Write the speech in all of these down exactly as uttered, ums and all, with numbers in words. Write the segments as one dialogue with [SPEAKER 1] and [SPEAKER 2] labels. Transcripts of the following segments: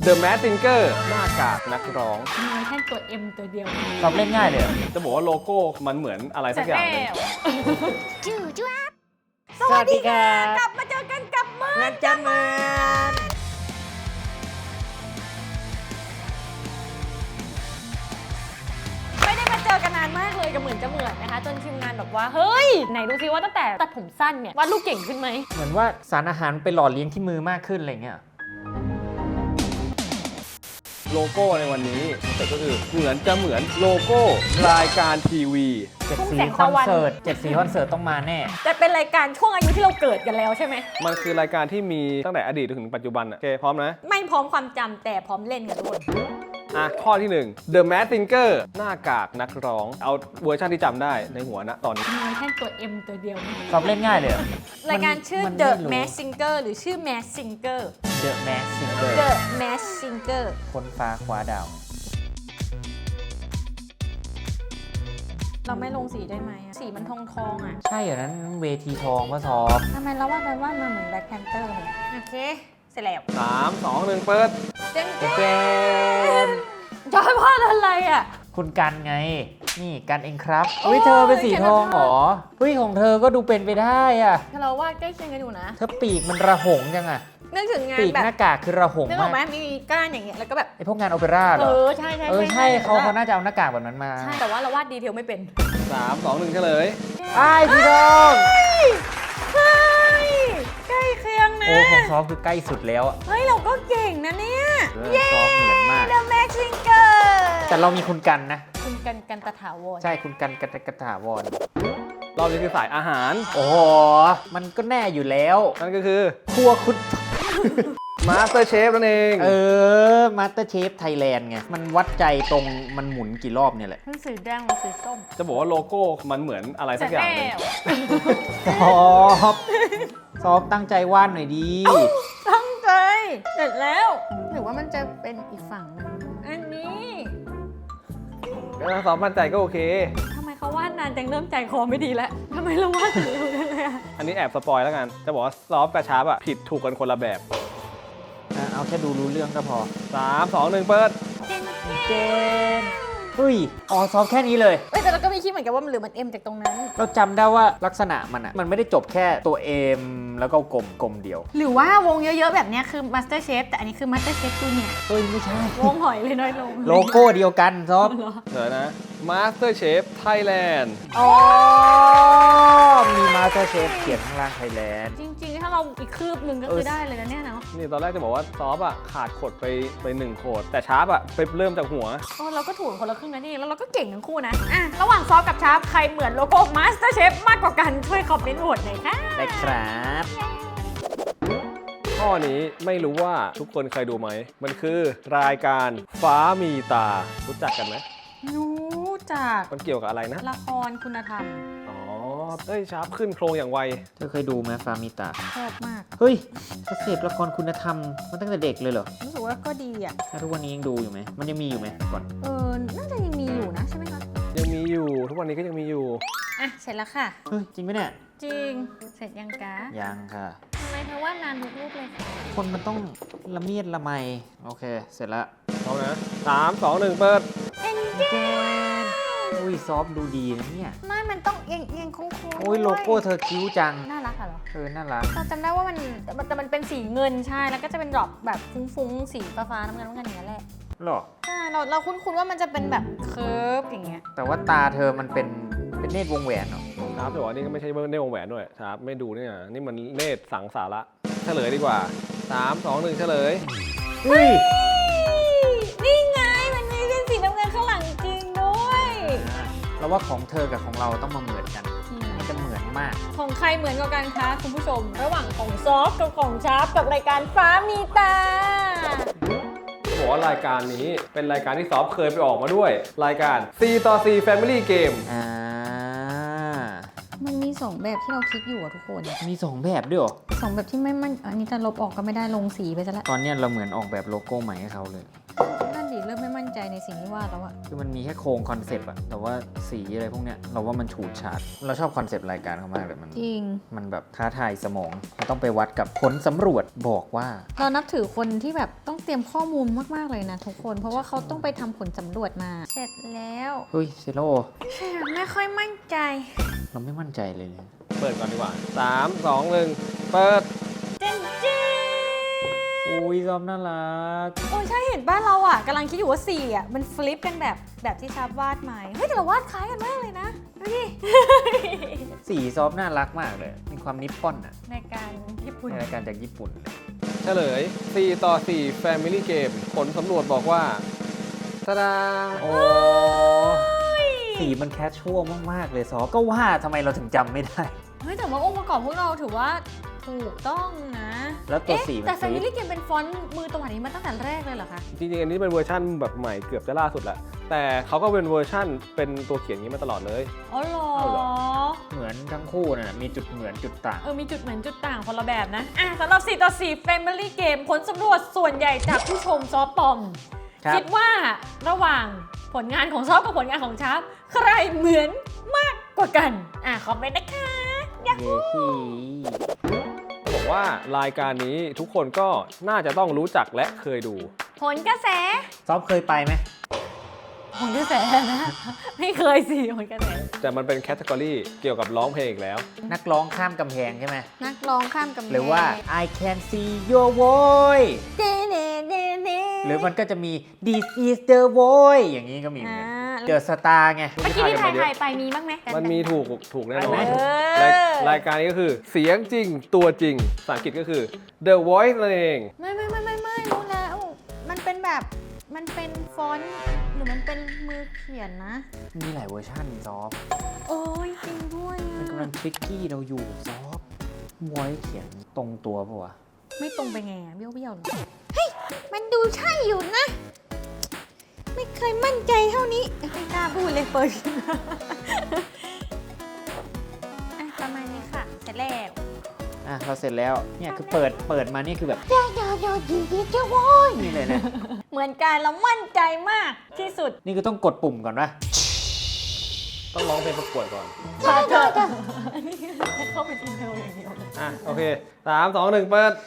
[SPEAKER 1] The Mask Singer หน้ากากนักร้อง
[SPEAKER 2] มีแค่ตัว M ตัวเดียว
[SPEAKER 3] ตอบเล่นง่ายเลย
[SPEAKER 1] จะบอกว่าโลโก้มันเหมือนอะไรสักอย่างหนึง
[SPEAKER 2] จู่จ้า
[SPEAKER 3] สวัสดีครับ
[SPEAKER 2] กลับมาเจอกันกับมือ
[SPEAKER 3] นันจันมา
[SPEAKER 2] ไม่ได้มาเจอกันนานมากเลยกับเหมือนจะเหมือนนะคะจนทีมงานบอกว่าเฮ้ยไหนดูซิว่าตั้งแต่ตัดผมสั้นเนี่ยวาดรูปเก่งขึ้นไหม
[SPEAKER 3] เหมือนว่าสารอาหารไปหล่อเลี้ยงที่มือมากขึ้นอะไรเงี้ย
[SPEAKER 1] โลโก้ในวันนี้แต่ก็คือเหมือนจะเหมือนโลโก้รายการทีวี
[SPEAKER 3] เจ็ดสีคอนเสิร์ตเจ็ดสีคอนเสิร์ตต้องมาแน่
[SPEAKER 2] แต่เป็นรายการช่วงอายุที่เราเกิดกันแล้วใช่ไหม
[SPEAKER 1] มันคือรายการที่มีตั้งแต่อดีตถึงปัจจุบันอะโอเคพร้อมนะ
[SPEAKER 2] ไม่พร้อมความจำแต่พร้อมเล่นกันทุกคน
[SPEAKER 1] อ่ะข้อที่หนึ่ง The Mask Singer หน้ากากนักร้อง เอาเวอร์ชันที่จำได้ในหัวนะตอนนี้
[SPEAKER 2] มีแค่ตัว M ตัวเดียว
[SPEAKER 3] ตอบเล่นง่ายเลย
[SPEAKER 2] รายการชื่อ
[SPEAKER 3] มัน
[SPEAKER 2] The
[SPEAKER 3] ไม่รู้
[SPEAKER 2] Mask Singer หรือชื่อ Mask Singer
[SPEAKER 3] The Mask Singer
[SPEAKER 2] The Mask Singer
[SPEAKER 3] คนฟ้าคว้าดาว
[SPEAKER 2] เราไม่ลงสีได้ไหมอะสีมันทองทองๆอ่ะ
[SPEAKER 3] ใช่เหรอนั้นเวทีทองก็ซอฟ
[SPEAKER 2] ทำไมเราวาดไปวาดมาเหมือนแบล็คแพนเตอร์เลยโอเค เสร็จแล้ว
[SPEAKER 1] สาม สอง หนึ่ง เปิด
[SPEAKER 2] เจ๊ง
[SPEAKER 3] เจน
[SPEAKER 2] จอยวาดอะไรอ่ะ
[SPEAKER 3] คุณกันไง นี่กันเองครับเฮ้ยเธอเป็นสีทองเหรอเฮ้ยของเธอก็ดูเป็นไปได้อะ
[SPEAKER 2] เราวาดใกล้เคียงกันอยู่นะ
[SPEAKER 3] เธอปีกมันระหงจังอะ
[SPEAKER 2] นึกถึงงาน
[SPEAKER 3] ปีก
[SPEAKER 2] แบ
[SPEAKER 3] ห
[SPEAKER 2] บ
[SPEAKER 3] น้ากากคือระหง
[SPEAKER 2] นึกออกไหม
[SPEAKER 3] มาก
[SPEAKER 2] มีก้านอย่างเงี้ยแล้วก็แบบ
[SPEAKER 3] ไอพวกงานโอเปร่าเหร
[SPEAKER 2] เอ
[SPEAKER 3] อ
[SPEAKER 2] อ ใช่ใช่
[SPEAKER 3] เออใช่เขาเขา
[SPEAKER 2] แต่ว่
[SPEAKER 3] น่าจะเอาหน้ากากแบบนั้นมา
[SPEAKER 2] ใช่แต่ว่าเราวาดดีเทลไม่เป็น
[SPEAKER 1] สาม สอง หนึ่ง เฉลย
[SPEAKER 3] ไอ้สีทอง
[SPEAKER 2] เฮ้ยใกล้เคียงนะ
[SPEAKER 3] โอ้ของซอฟคือใกล้สุดแล้วอะ
[SPEAKER 2] เฮ้ยเราก็เก่งนะเนี่ย
[SPEAKER 3] เออซอฟเหมือนมาก
[SPEAKER 2] The Mask Singer
[SPEAKER 3] แต่เรามีคุณกันนะ
[SPEAKER 2] คุณกันกันตะถาวร
[SPEAKER 3] ใช่คุณกันกระกระถาวร
[SPEAKER 1] รอบนี้คือสายอาหาร
[SPEAKER 3] โอ้โห มันก็แน่อยู่แล้ว
[SPEAKER 1] นั่นก็คือ
[SPEAKER 3] ครัวคุณ
[SPEAKER 1] Master Chef นั่นเอง
[SPEAKER 3] เออมาสเตอร์เชฟไทยแลนด์ไง มันวัดใจตรงมันหมุนกี่รอบเนี่ยแหละ
[SPEAKER 2] มันสีแดงหรือสีส้ม
[SPEAKER 1] จะบอกว่าโลโก้มันเหมือนอะไรสักอย่างหนึง
[SPEAKER 3] ซอฟซอฟตั้งใจวาดหน่อยดี
[SPEAKER 2] ตั้งใจเสร็จแล้วหรือว่ามันจะเป็นอีกฝั่งหนึงอันนี้
[SPEAKER 1] ถ้าซ้อมมั่นใจก็โอเค
[SPEAKER 2] ทำไมเขาวาดนานจังเริ่มใจคอไม่ดีแล้วทำไมเราวาดถึงเร็วจังเลยอะ
[SPEAKER 1] อันนี้แอบสปอยแล้วกัน จะบอกว่าซอฟต์กับชาร์ปอะผิดถูกกันคนละแบบ
[SPEAKER 3] อ่ะเอาแค่ดูรู้เรื่องก็พอ
[SPEAKER 1] สาม สอง หนึ่ง เปิด
[SPEAKER 3] เจนเฮ้ยอ๋อซอฟแค่นี้เลย
[SPEAKER 2] เอ้ยแต่เราก็มีคิดเหมือนกันว่ามันหรือมันเอ็มจากตรงนั้น
[SPEAKER 3] เราจำได้ว่าลักษณะมันอะมันไม่ได้จบแค่ตัว M แล้วก็กลมกลมเดียว
[SPEAKER 2] หรือว่าวงเยอะๆแบบเนี้ยคือ Master Chef แต่อันนี้คือ Master Chef ตัวเนี่ย
[SPEAKER 3] เฮ้ย ไม่ใช่
[SPEAKER 2] วงหอยเลยน้อยลง
[SPEAKER 3] โลโก้เดียวกันซอฟ
[SPEAKER 1] เดี๋ยวนะ Master Chef Thailand
[SPEAKER 3] อ๋อ มีมาสเตอร์เชฟเขียนข้างล่างไทยแลนด์
[SPEAKER 2] จริงๆ ถ้าเราอีกคืบหนึ่งก็คือได้เลยนะเนี่ยเนาะ
[SPEAKER 1] นี่ตอนแรกจะบอกว่าซอฟต์อะขาดขดไปไปหนึ่งโขด แต่ชาร์ปอะไปเริ่มจากหัว
[SPEAKER 2] โอ้เราก็ถูกคนละครึ่งนะนี่แล้วเราก็เก่งทั้งคู่นะอ่ะระหว่างซอฟกับชาร์ปใครเหมือนโลโก้ Master Chef มากกว่ากันช่วยคอมเมนต์โหวตหน่อยค่ะ
[SPEAKER 3] ได้ครับ
[SPEAKER 1] ข้อนี้ไม่รู้ว่าทุกคนเคยดูไหม มันคือรายการฟ้ามีตา รู้จักกันไหม
[SPEAKER 2] รู้จัก
[SPEAKER 1] มันเกี่ยวกับอะไรนะ
[SPEAKER 2] ละครคุณธรรม
[SPEAKER 1] อ๋อ เอ้ยชาร์ปขึ้นโครงอย่างไว
[SPEAKER 3] เธอเคยดูไหมฟามิตา
[SPEAKER 2] ชอบมาก
[SPEAKER 3] เฮ้ยเธอเสพละครคุณธรรมมาตั้งแต่เด็กเลยเหรอ
[SPEAKER 2] รู้สึกว่าก็ดีอ่ะ
[SPEAKER 3] แล้วทุกวันนี้ยังดูอยู่ไหม มันยังมีอยู่ไหมก่อน
[SPEAKER 2] เออ น่าจะยังมีอยู่นะใช่ไหมคะ
[SPEAKER 1] ยังมีอยู่ ทุกวันนี้ก็ยังมีอยู่
[SPEAKER 2] อ่ะ เสร็จแล้วค่ะ
[SPEAKER 3] เฮ้ย จริงไหมเนี่ย
[SPEAKER 2] จริง เสร็จยังกะ
[SPEAKER 3] ยังค่ะ
[SPEAKER 2] ทำไมเธอว่านานทุกรูปเลยคะ
[SPEAKER 3] คนมันต้องละเมียดละไม โอเค เสร็จแล้ว
[SPEAKER 1] พร้อมนะสาม สอง หนึ่ง เปิด
[SPEAKER 3] เจนอุ้ยซอฟต์ดูดีนะเนี่ย
[SPEAKER 2] ไม่มันต้องเอียงเอียงโค้งๆ
[SPEAKER 3] โอ้ยโลโก้เธอคิ้วจัง
[SPEAKER 2] น่ารักอะเหรอ
[SPEAKER 3] เออ น่ารัก
[SPEAKER 2] เราจำได้ว่ามันแต่มันแต่มันเป็นสีเงินใช่ แล้วก็จะเป็นดรอปแบบฟุ้งๆ สีฟ้าๆน้ำเงินน้ำเงินอย่างนี้ยแหละ
[SPEAKER 3] หรอ
[SPEAKER 2] ใช่เราเราคุ้นๆว่ามันจะเป็นแบบเคิร์ฟอย่างเงี้ย
[SPEAKER 3] แต่ว่าตาเธอมันเป็นเป็นเนตรวงแหวนเหรอ
[SPEAKER 1] ชาร์ปจะบอกว่านี่ก็ไม่ใช่เนตรวงแหวนด้วยชาร์ปไม่ดูเนี่ยนี่มันเนตรสังสาระเฉลยดีกว่าสาม สอง หนึ่ง เฉลย
[SPEAKER 3] อุ้ย
[SPEAKER 2] นี่ไง มันมีเป็นสีน้ำเงินข้างหลังจริงด้วย
[SPEAKER 3] เราว่าของเธอกับของเราต้องมาเหมือนกันมันจะเหมือนมาก
[SPEAKER 2] ของใครเหมือนกว่ากันคะคุณผู้ชม ระหว่างของซอฟต์กับของชาร์ปกับรายการฟ้ามีตา
[SPEAKER 1] จะบอกว่ารายการนี้เป็นรายการที่ซอฟเคยไปออกมาด้วย รายการ C ต่อ C Family Game
[SPEAKER 3] อ่า
[SPEAKER 2] มันมีสองแบบที่เราคิดอยู่อะทุกคน
[SPEAKER 3] มีสองแบบด้วยเหรอ
[SPEAKER 2] สองแบบที่ไม่มันอันนี้จะลบออกก็ไม่ได้ลงสีไปซะแล้ว
[SPEAKER 3] ตอนเนี้ยเราเหมือนออกแบบโลโก้ใหม่ให้เขาเลย
[SPEAKER 2] นั่นดิเริ่มไม่มั่นใจในสิ่งที่วาดแล้วอะ
[SPEAKER 3] คือมันมีแค่โครงคอนเซปต์อะแต่ว่าสีอะไรพวกเนี้ยเราว่ามันฉูดฉาดเราชอบคอนเซปต์รายการเขามากเลยมัน
[SPEAKER 2] จริง
[SPEAKER 3] มันแบบท้าทายสมองเราต้องไปวัดกับผลสำรวจบอกว่า
[SPEAKER 2] เรานับถือคนที่แบบต้องเตรียมข้อมูลมากๆเลยนะทุกคน เพราะว่าเขาต้องไปทำผลสำรวจมา เสร็จแล้ว
[SPEAKER 3] เฮ้ยเซโร่
[SPEAKER 2] ไม่ค่อยมั่นใจ
[SPEAKER 3] เราไม่มั่นใจเลยเนี่ย
[SPEAKER 1] เปิดก่อนดีกว่าสาม สอง หนึ่งเปิด
[SPEAKER 2] เจนจี
[SPEAKER 3] อุ้ยซอมน่ารัก
[SPEAKER 2] โอ้ใช่เห็นบ้านเราอ่ะกำลังคิดอยู่ว่าสี่อ่ะมันฟลิปกันแบบแบบที่ชาบวาดไหมเฮ้ยแต่เราวาดคล้ายกันมากเลยนะดูดิ
[SPEAKER 3] สีซอฟน่ารักมากเลยมีความนิปปอนอะ
[SPEAKER 2] ในการญี่ปุ่น
[SPEAKER 3] ในรายการจากญี่ปุ่นเลย
[SPEAKER 1] เฉลย สี่ ต่อ สี่ Family Game ผลสำรวจบอกว่าตาดา
[SPEAKER 3] โอ้สีมันแคชชวลมากๆเลยซอฟก็ว่าทำไมเราถึงจำไม่ได้
[SPEAKER 2] เฮ้ยแต่ว่าองค์ประกอบพวกเราถือว่าถูกต้องนะ
[SPEAKER 3] แล้วตัว
[SPEAKER 2] เอ๊ะ
[SPEAKER 3] สีมัน
[SPEAKER 2] แต่
[SPEAKER 3] ฟลิป
[SPEAKER 2] Family Game เป็นฟอนต์มือตะวันนี้มาตั้งแต่แรกเลยเหรอคะ
[SPEAKER 1] จริงๆ อันนี้เป็นเวอร์ชั่นแบบใหม่เกือบจะล่าสุดแหละ แต่เขาก็เป็นเวอร์ชั่นเป็นตัวเขียนอย่างนี้มาตลอดเลย
[SPEAKER 2] อ๋อเหรอ
[SPEAKER 1] เอาเหรอ
[SPEAKER 3] เหมือนทั้งคู่นะมีจุดเหมือนจุดต่าง
[SPEAKER 2] เออมีจุดเหมือนจุดต่างคนละแบบนะอ่ะสำหรับสี่ต่อสี่ Family Game ผลสำรวจส่วนใหญ่จากผู้ชมซอฟต์ปอม
[SPEAKER 3] ครับ
[SPEAKER 2] คิดว่าระหว่างผลงานของซอฟกับผลงานของชาร์ปใครเหมือนมากกว่ากัน อ่ะคอมเมนต์นะคะอยาก
[SPEAKER 3] เย้ขี้
[SPEAKER 1] บอกว่ารายการนี้ทุกคนก็น่าจะต้องรู้จักและเคยดู
[SPEAKER 2] ผลกระแส
[SPEAKER 3] ซอฟเคยไปไหม
[SPEAKER 2] ผลกระแสนะ ไม่เคยสิผลกระแส
[SPEAKER 1] แต่มันเป็นแคตตากรีเกี่ยวกับร้องเพลงอีกแล้ว
[SPEAKER 3] นักร้องข้ามกำแพงใช่ไหม
[SPEAKER 2] นักร้องข้ามกำแพง
[SPEAKER 3] หรือว่า I can see your voice
[SPEAKER 2] เดเดเดเด
[SPEAKER 3] หรือมันก็จะมี This is the voice อย่างนี้ก็มีเหมือนกัน
[SPEAKER 2] อ่า
[SPEAKER 3] เดอะสตาร์ไง
[SPEAKER 2] เมื่อกี้ที่ถ่ายถ่ายไปมีบ้างไหม
[SPEAKER 1] มันมีถูกถูกแน่นอน
[SPEAKER 3] ไปไหม
[SPEAKER 1] รายรายการนี้ก็คือเสียงจริงตัวจริงภาษาอังกฤษก็คือ The Voice นั่นเอง
[SPEAKER 2] ไม่ไม่ไม่ไม่ไม่รู้แล้ว มันเป็นแบบมันเป็นฟอนต์หรือมันเป็นมือเขียนนะ
[SPEAKER 3] มีหลายเวอร์ชันซอฟ
[SPEAKER 2] โอ้ยจริงด้วย
[SPEAKER 3] มันกำลังทริกกี้เราอยู่ซอฟวอยเขียนตรงตัวปะวะ
[SPEAKER 2] ไม่ตรงไปไงอะเบี้ยวเบี้ยวเลยเฮ้ย มันดูใช่อยู่นะ ไม่เคยมั่นใจเท่านี้ ไม่กล้าพูดเลยเปิด อ่ะประมาณนี้ค่ะ เสร็จแล้ว
[SPEAKER 3] อ่ะเราเสร็จแล้วเนี่ยคือเปิดเปิดมานี่คือแบบ
[SPEAKER 2] เดี๋ยวเดี๋ยวเดี๋ยวดีดีเจ้าโว้ย
[SPEAKER 3] นี่เลยนะ
[SPEAKER 2] เหมือนกันแล้วมั่นใจมากที่สุด
[SPEAKER 3] นี่คือต้องกดปุ่มก่อนปะ
[SPEAKER 1] ต้องร้องเพลงประกวดก่อน
[SPEAKER 2] เดี๋ยวเดี๋ยวเดี๋ยวอันนี้เข้าไปทีเดียวอย่างเดียวเลย
[SPEAKER 1] อ่ะ โอเคสาม สอง หนึ่งเปิด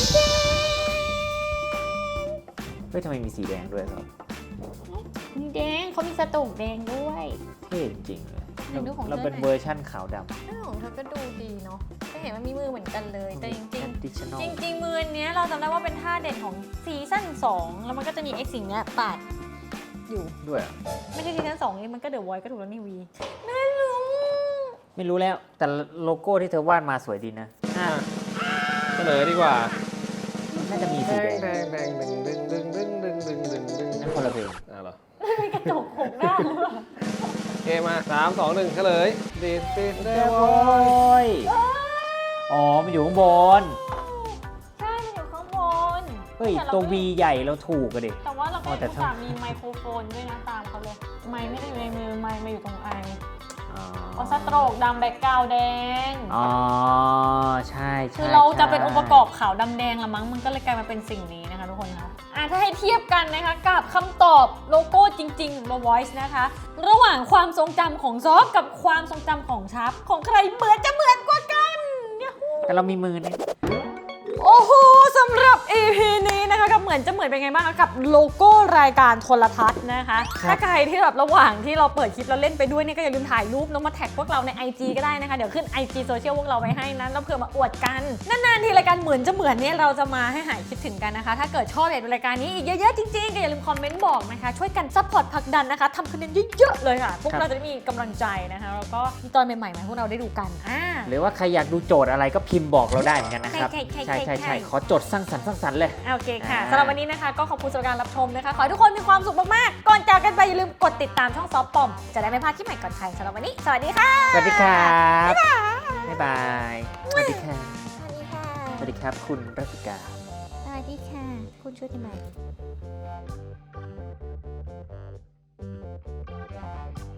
[SPEAKER 3] เฮ้ยทำไมมีสีแดงด้วยซอฟ
[SPEAKER 2] นี่แดงเขามีสตูกแดงด้วย
[SPEAKER 3] เท่จริงๆเลย
[SPEAKER 2] ไหนดูของ
[SPEAKER 3] เราเป็น
[SPEAKER 2] เธอหน่อย
[SPEAKER 3] เวอร์ชั่นขาวด
[SPEAKER 2] เรื่องของเธอก็ดูดีเนาะก็เห็นว่ามีมือเหมือนกันเลย
[SPEAKER 3] ำ
[SPEAKER 2] แต่จริง
[SPEAKER 3] additional
[SPEAKER 2] ๆ จริง ๆ มืออันเนี้ยเราจำได้ว่าเป็นท่าเด่นของซีซั่นสองแล้วมันก็จะมีไอ้สิ่งเนี้ยปาดอยู่
[SPEAKER 3] ด้วยเหรอ
[SPEAKER 2] ไม่ใช่ซีซั่นสองนี่มันก็เดอะวอยก็ถูกแล้วนี่วีไม่รู้
[SPEAKER 3] ไม่รู้แล้วแต่โลโก้ที่เธอวาดมาสวยดีนะ
[SPEAKER 1] อ่ะเฉลยดีกว่า
[SPEAKER 3] น่าจะมี
[SPEAKER 1] แด
[SPEAKER 3] สีแด
[SPEAKER 1] ง
[SPEAKER 3] ง
[SPEAKER 1] แดงแดงดึงดึงดึงดึงดึงดึงดึงดึง
[SPEAKER 3] นั่นคนละเพลง
[SPEAKER 1] อ่ะเหรอ
[SPEAKER 2] มีกระจกหกด้านหรือเปล่า
[SPEAKER 1] โอเคมาสาม สอง หนึ่งเฉลย This is the
[SPEAKER 3] โอ้
[SPEAKER 1] voice
[SPEAKER 3] ยอ๋อ มันอยู่ข้างบน
[SPEAKER 2] ใช่มันอยู่ข้างบน
[SPEAKER 3] เฮ้ย
[SPEAKER 2] แต่รา
[SPEAKER 3] ตัว
[SPEAKER 2] ก็
[SPEAKER 3] V ใหญ่เราถูกอะดิ
[SPEAKER 2] แต่ว่าเราก็
[SPEAKER 3] อ๋อแต่
[SPEAKER 2] อุต
[SPEAKER 3] ถ้า
[SPEAKER 2] ส่าห์มีไมโครโฟนด้วยนะตามเขาเลย ไมค์ไม่ได้อยู่ในมือ ไมค์มาอยู่ตรงไอเอาสโตรกดำแบ็กกราวด์แดง
[SPEAKER 3] อ๋อ ใช่ใช่
[SPEAKER 2] คือเราจะ
[SPEAKER 3] ใช่
[SPEAKER 2] เป็นองค์ประกอบขาวดำแดงละมั้ง มันก็เลยกลายมาเป็นสิ่งนี้นะคะทุกคนคะอ่ะถ้าให้เทียบกันนะคะกับคำตอบโลโก้จริงๆของ The Voice นะคะ ระหว่างความทรงจำของซอฟกับความทรงจำของชับของใครเหมือนจะเหมือนกว่ากันเนี่ย
[SPEAKER 3] แต่เรามีมือเนี่ย
[SPEAKER 2] โอ้โหสำหรับ อี พี นี้นะคะกับเหมือนจะเหมือนเป็นไงบ้างคะกับโลโก้รายการโทรทัศน์นะคะ ถ้าใครที่แบบระหว่างที่เราเปิดคลิปแล้วเล่นไปด้วยเนี่ยก็อย่าลืมถ่ายรูปแล้วมาแท็กพวกเราใน ไอ จี ก็ได้นะคะ เดี๋ยวขึ้น ไอ จี โซเชียลพวกเราไว้ให้นะแล้วเผื่อมาอวดกัน นานๆทีรายการเหมือนจะเหมือนเนี่ยเราจะมาให้หายคิดถึงกันนะคะ ถ้าเกิดชอบอยากดูรายการนี้อีกเยอะๆจริงๆก็อย่าลืมคอมเมนต์บอกนะคะช่วยกันซัพพอร์ตผลักดันนะคะทำคอนเทนต์เยอะๆเลยค่ะพวกเราจะได้มีกำลังใจนะคะแล้วก็มีตอนใหม่ๆมาให้พวกเราได้ดูกันอ่า
[SPEAKER 3] หรือว่าใครอยากดูโจทย์อะไรก็พิมพ์บอกเราได้เหมือนกันนะครับ
[SPEAKER 2] ใช่ใช่
[SPEAKER 3] ใช่
[SPEAKER 2] ใช่
[SPEAKER 3] ใช่
[SPEAKER 2] ใช่
[SPEAKER 3] ใช่ขอโจทย์สร้างสรรค์สร้างสรรค์เลย
[SPEAKER 2] โอเคค่ะ
[SPEAKER 3] อ่า
[SPEAKER 2] สำหรับวันนี้นะคะก็ขอบคุณสำหรับการรับชมนะคะ ขอให้ทุกคนมีความสุขมากๆ ก่อนจากกันไปอย่าลืมกดติดตามช่องซอฟต์ปอม จะได้ไม่พลาดคลิปใหม่ก่อนใครสำหรับวันนี้ สวัสดีค่ะ
[SPEAKER 3] สวัสดีครับบ๊ายบาย สวัสดีค่ะ
[SPEAKER 2] สวัสดีค่ะ
[SPEAKER 3] สวัสดีครับคุณรัติกา
[SPEAKER 2] สวัสดีค่ะ คุณชุติมา